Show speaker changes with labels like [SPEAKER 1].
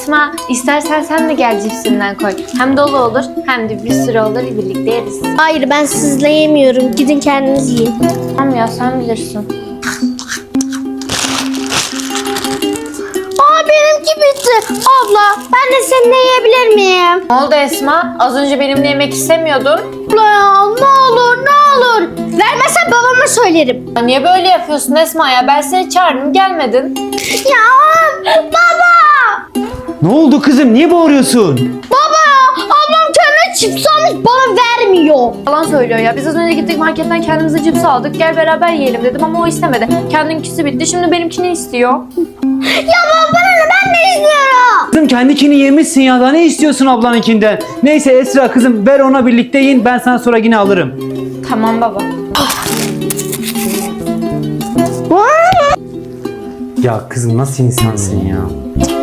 [SPEAKER 1] Esma, istersen sen de gel cipsinden koy. Hem dolu olur hem de bir sürü olur, birlikte yeriz.
[SPEAKER 2] Hayır, ben sizle yemiyorum. Gidin kendiniz yiyin.
[SPEAKER 1] Tamam ya, sen bilirsin.
[SPEAKER 2] Benimki bitti. Abla, ben de seninle yiyebilir miyim?
[SPEAKER 1] Ne oldu Esma? Az önce benimle yemek istemiyordun.
[SPEAKER 2] Abla ya, ne olur ne olur. Vermezsen babama söylerim.
[SPEAKER 1] Ya niye böyle yapıyorsun Esma ya? Ben seni çağırdım, gelmedin.
[SPEAKER 2] Ya baba.
[SPEAKER 3] Ne oldu kızım? Niye bağırıyorsun?
[SPEAKER 2] Baba, ablam kendine cips almış bana vermiyor.
[SPEAKER 1] Yalan söylüyor ya. Biz az önce gittik marketten kendimize cips aldık. Gel beraber yiyelim dedim ama o istemedi. Kendinkisi bitti. Şimdi benimkini istiyor.
[SPEAKER 2] Ya baba, ben de istiyorum.
[SPEAKER 3] Kızım kendikini yemişsin ya. Daha ne istiyorsun ablanınkinden? Neyse Esra kızım ver ona birlikte yiyin. Ben sana sonra yine alırım.
[SPEAKER 1] Tamam baba.
[SPEAKER 3] Ya kızım nasıl insansın ya?